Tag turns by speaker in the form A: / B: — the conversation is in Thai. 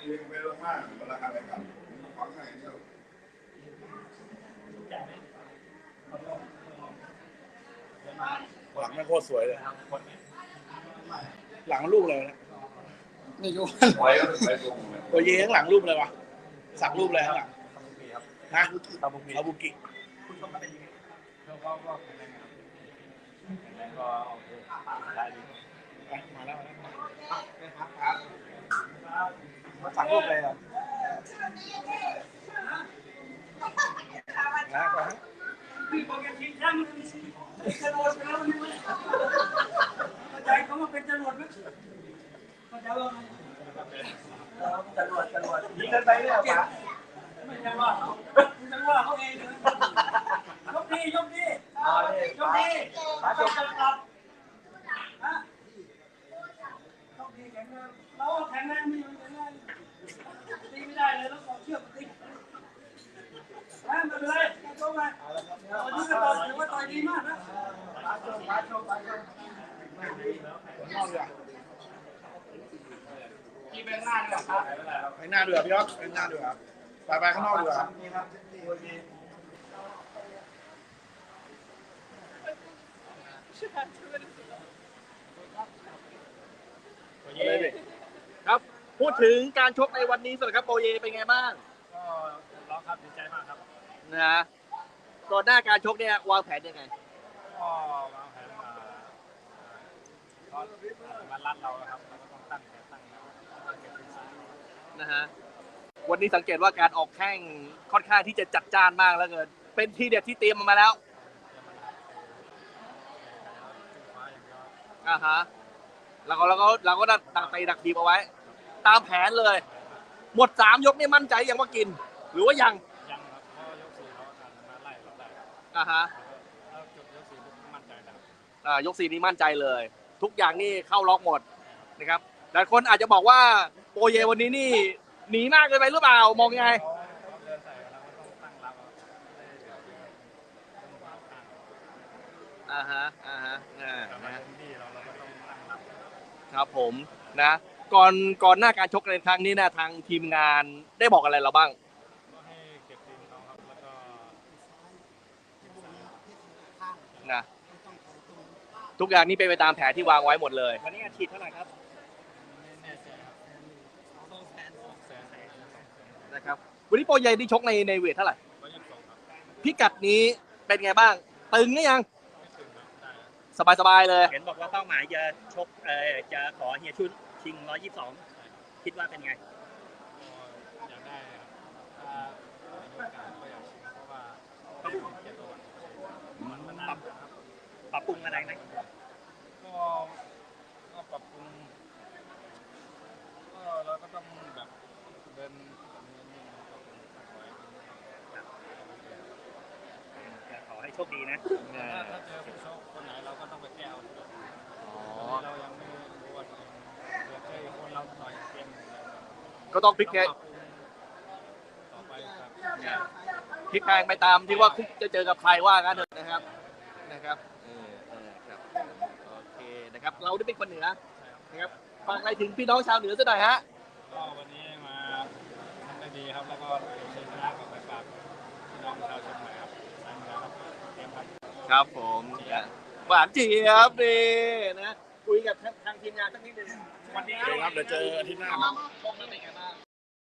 A: หลังไม่โคตรสวยเลยหลังรูปเลยนะนี่รูปตัวเย้ข้างหลังรูปเลยวะสักรูปเลยข้างหลังนะอาบุกิคุณชมเป็นยังไงก็แข็งแรงก็ได้ดีมาแล้วสักรูปเลยอ่ะนะก่อน
B: ใจเขามาเป็นจรวดไหมเข้าใจว่าจรวดยิงกันไปเนี่ยป่ะไม่ใช่ว่าเขาไม่ใช่ว่าเขาเองเลยยกดียกมาจบกันครับฮะยกดีแข็งแรงเราแข็งแรงไม่แข็งแรงตีไม่ได้เลยแล้วขอเชือกตีไม่เป็นไรโชว์มาวันนี้ก็ต่อยถือว่าต่อยดีมากนะมาโชว์ที่เป็นหน้าด้วยครับ
A: ไปหน้าเดือดพี่ยอดไปหน้าเดือดไปข้างนอกเดือด
C: ครับพูดถึงการชกในวันนี้สำหรับโปเยเป็นไงบ้าง
B: ก็ร้องครับดีใจมากครับ
C: นะก่อนหน้าการชกเนี่ยวางแผนยังไง
B: ก็วางแผนก็มาลัดเราครับเราก็ต้องตั้ง
C: นะฮะวันนี้สังเกตว่าการออกแข้งค่อนข้างที่จะจัดจ้านมากแล้วเกินเป็นทีเด็ดที่เตรียมมาแล้วฮะเราก็ดักไปดักทีมเอาไว้ตามแผนเลยหมด3 ยกนี่มั่นใจยังว่ากินหรือว่ายัง
B: ครับเพราะยก4เขามาไล่เราได้
C: ฮะ
B: แล้วจบยก4มั่นใจแล้ว
C: ยก4นี้มั่นใจเลยทุกอย่างนี่เข้าล็อกหมดนะครับแต่คนอาจจะบอกว่าโปเยวันนี้นี่หนีมากเกินไปหรือเปล่ามองยังไงครับผมนะก่อนหน้าการชกในครั้งนี้นะทางทีมงานได้บอกอะไรเราบ้าง
B: ก็ให้เก็บทีมเขาครับแล้วก็
C: นะทุกอย่างนี้เป็นไปตามแผนที่วางไว้หมดเลย
B: วันนี้อาชีพเท่าไหร่ครับไม่แน่ใจครับ
C: นะครับวันนี้โปรเยที่ชกในเวทเท่าไหร่
B: 122
C: พิกัดนี้เป็นไงบ้างตึงหรือยังสบายเลย
D: เห็นบอกว่าเป้าหมายจะชกจะขอเฮียชุนชิง122คิดว่าเป็นไง
B: อยากได้ครับถ้ามีโอกาสก็อยากชิงเพราะว่าต้องเกียรติประวัติมันนานครับ
D: ปรับปรุงอะไรนะ
B: ก็ปรับปรุงก็เราก็ต้องแบบเดิน
D: ขอให้โชคดีนะ
B: ถ้าเจอผู้ชกคนไหนเราก็ต้องไปแก้เอาเรายังไม่รู้ว่าเดี๋ยวเจอคนเราต่อยเกม
C: ก็ต้องพลิกแพง
B: ต่อไปครับ
C: พลิกแพงไปตามที่ว่าคุกจะเจอกับใครว่ากันเถอะนะครับครับโอเคนะครับเราได้เป็นคนเหนือนะครับฝากอะไรถึงพี่น้องชาวเหนือสักหน่อยฮะ
B: ก็วันนี้มาทำได้ดีครับแล้วก็ชัยชนะกับไปฝากพี่น้องชาวเชียงใหม่ครับ
C: ครับผมหวานเจี๊ยบดีนะคุยกับทางทีมงานสักนิดนึง
A: วันนี้ครับเดี๋ยวเจออาทิตย์หน้าครับ